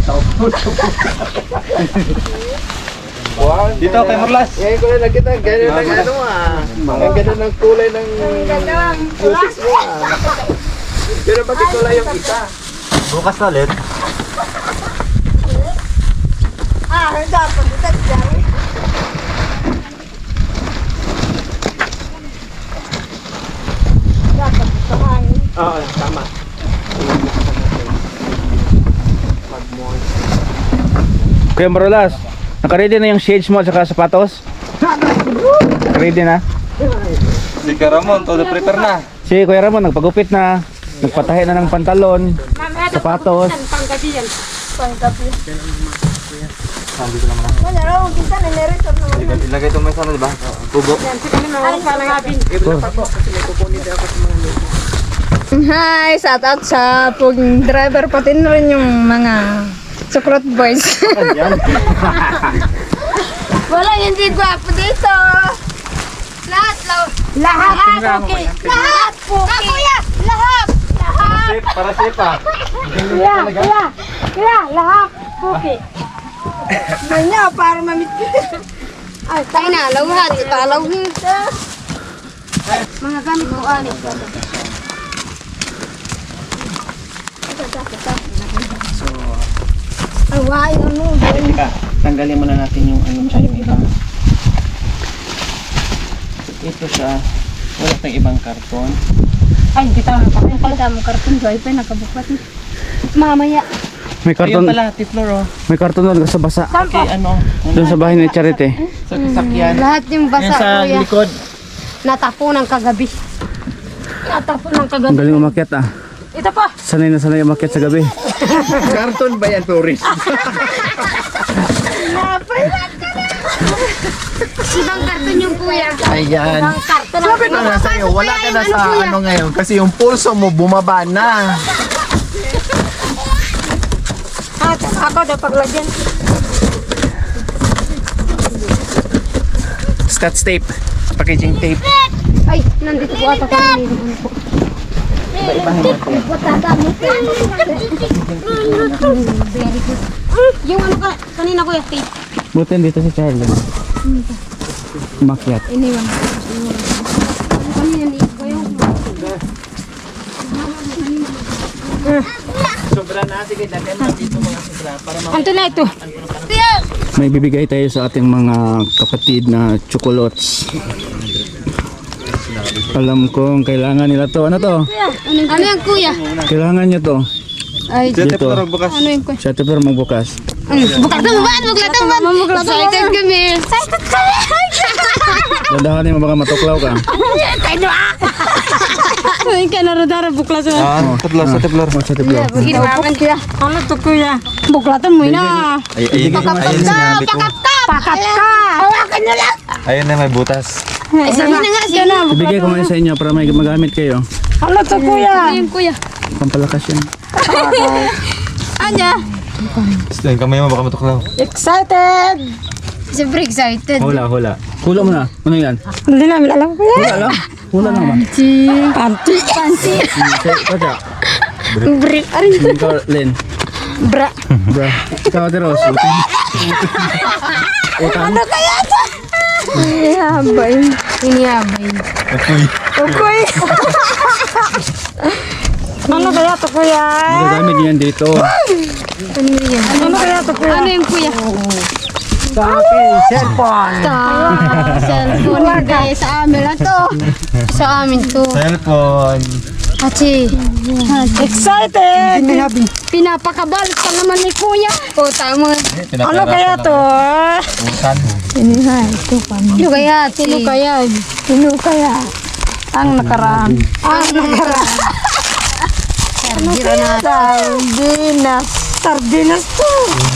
Wow, dito kay Marlas. Ngayon ko na nakita, ganyan ng ano ang ganda ng kulay ng boses mo Pero bakit kulay yung isa? Bukas na ulit. Dapat ito dyan. Dapat ito hangin. Oo, tama. Kuya Marlas, naka-ready na yung shades mo at saka sapatos? Naka-ready na? Si Karamon, todo prepare na. Si Kuya Ramon, nagpagupit na. Nagpatahi na ng pantalon, sapatos. Panggabi yan. Panggabi. Sabi ko naman. Wala raw, kita na niresort naman. Ilagay ito may sana, di ba? Kubo. Hi! Shout out sa pong driver, pati na rin yung mga sukrot boys. Wala hindi gwapo dito. Lahat okay. Lahat okay. Lahat. Para safe ah. Lahat okay. Manya para mamit. Ay, tayo na, lawhat. Italawhin ito. Mga gamit ko alit. Away, ano? Tanggalin muna natin yung ano siya, yung ibang. Ito siya, wala tayong ibang karton. Ay, hindi tama pa. Kita mo karton, Joy pa, nakabukat. Mamaya. May karton, Ayun pala, Tiflor oh. may karton doon sa basa. Okay, ano? Doon sa bahay ni Charity. Sa sasakyan. Lahat yung Yan basa, sa kuya. likod. Natapo ng kagabi. Natapo ng Ang kagabi. galing umakyat ah. Ito pa. Sanay na sanay umakyat sa gabi. Karton ba yan, tourist? Ibang karton yung kuya. Ayan. Ibang karton. Sabi ko na sa'yo, wala ka na sa ano ngayon kasi yung pulso mo bumaba na. Ako daw paglagyan. Scotch tape. Packaging tape. Ay, nandito po ata kami. Iba-ibahin natin. Very good. Yung ano ka, kanina kuya, tape. Buti dito si Charlie. Umakyat. Iniwan. Kanina ni kuya. Sobra na. Sige, dagyan mo dito mga sobra para Anto na ito. May bibigay tayo sa ating mga kapatid na chocolates. Alam kong kailangan nila to. Ano to? Ano yung kuya? Kailangan nyo to. Ay, Dito. ano yung kuya? Siya pero magbukas. Bukas na ba? Buklat na ba? Excited kami. Excited kami. Dadahanin mo baka matuklaw ka. Ay, kanaradara buklat na. Ah, teplar sa teplar. Sa tiplaw. Ginawakan kuya. Ano to kuya? Buklatan mo na. Ayun sinabi ko. Pakat ka. Hawakan na lang. Ayun na may butas. Ay, sabi na nga siya na. Ibigay ko ngayon sa inyo para may magamit kayo. Ano to kuya? Ano yung kuya? Pampalakas yan. Anya? Gusto yung kamay mo baka matuklaw. Excited. Siyempre excited. Hula. Hula mo na. Ano yan? Hindi namin alam kuya. Hula lang. Hula lang ba? Panty. Panty. Kaya. Brick. Arin. Ikaw, Len. Bra. Bra. Ikaw, Ate Rose. Ano kaya ito? Inihabay. Okay. Ano kaya ito kuya? Magagamit niyo yan dito. Ano yan? Ano kaya ito kuya? Ano yung kuya? Sa akin, cellphone. Cellphone guys. Sa amin na to. Sa amin to. Cellphone. Achi. Excited! Pinapakabal pa naman ni kuya. O tama. Ano kaya to? Utan. Sino kaya? Sino kaya? Sino kaya? Ang nakaraan. Sardinas. Sardinas to.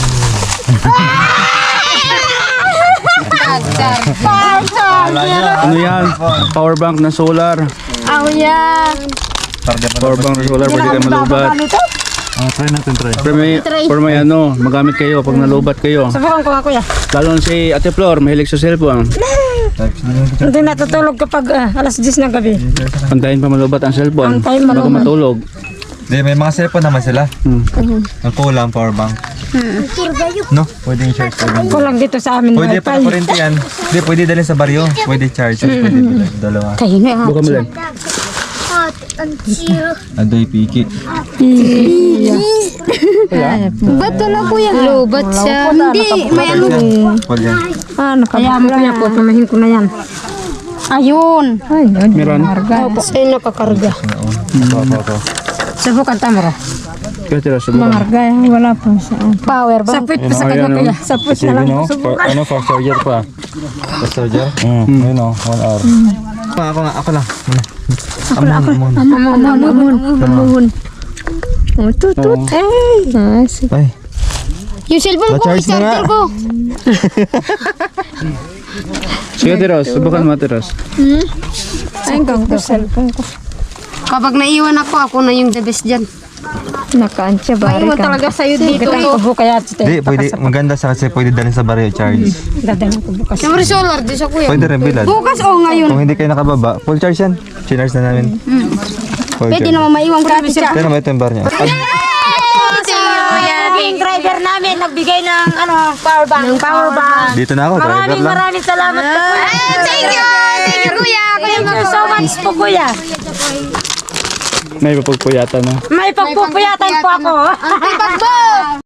Ano yan? Power bank na solar. Ako yan. Power bank na solar, pwede kayo malubat. Try natin, try. For may ano, magamit kayo pag nalubat kayo. Sabakan ko nga kuya. Lalo na si Ate Flor, mahilig sa cellphone. Hindi natutulog kapag alas 10 ng gabi. Pantayin pa malubat ang cellphone. Pantayin Bago malubat. matulog. Hindi, may mga cellphone naman sila. Hmm. Ang kulang, power bank. No? Pwede yung charge. Kulang dito sa amin. Pwede pa na kurente yan. Hindi, pwede dalhin sa baryo. Pwede charge. Pwede dalhin. Dalawa. Kayo na ha. Buka mo lang. Adoy piki. Ba't wala kuya? Lobat siya. Hindi, may ano. Pwede yan. Kaya mo kaya po, tumahin ko na yan. Ayun. Meron. Sa'yo nakakarga. Ako. Subukan tamara. Kaya tira, subukan. Wala po saan. Power ba? Sapit pa sa kanya kaya. Sapit na lang. Ano, fast charger pa. Fast charger? Ayun o, 1 hour. Ako lang. Amon. Tutut. Ay, Yung cellphone ko, Na-charge na nga. i-charger ko. Sige, Tiros. Subukan mo, Tiros. Ay, ko cellphone ko. Kapag naiwan ako na yung the best dyan. Nakaantya ba? Maiwan talaga sa'yo dito. Kubo kaya Hindi, pwede, maganda sa kasi pwede dalhin sa baryo charge. dadalhin ko bukas. Siyempre solar, di sa kuya. Pwede rin bilad. Bukas o ngayon. Kung hindi kayo nakababa, full charge yan. Chinarge na namin. Full Pwede charge. naman maiwan ka siya. Pero may ito yung bar niya. Yung driver namin nagbigay ng power bank. Ng power bank. Dito na ako, driver lang. Maraming salamat po. Thank you. Thank you, kuya. Thank you so much po, kuya. May papagpuyatan na. May pagpupuyatan po ako. Ang pagbo.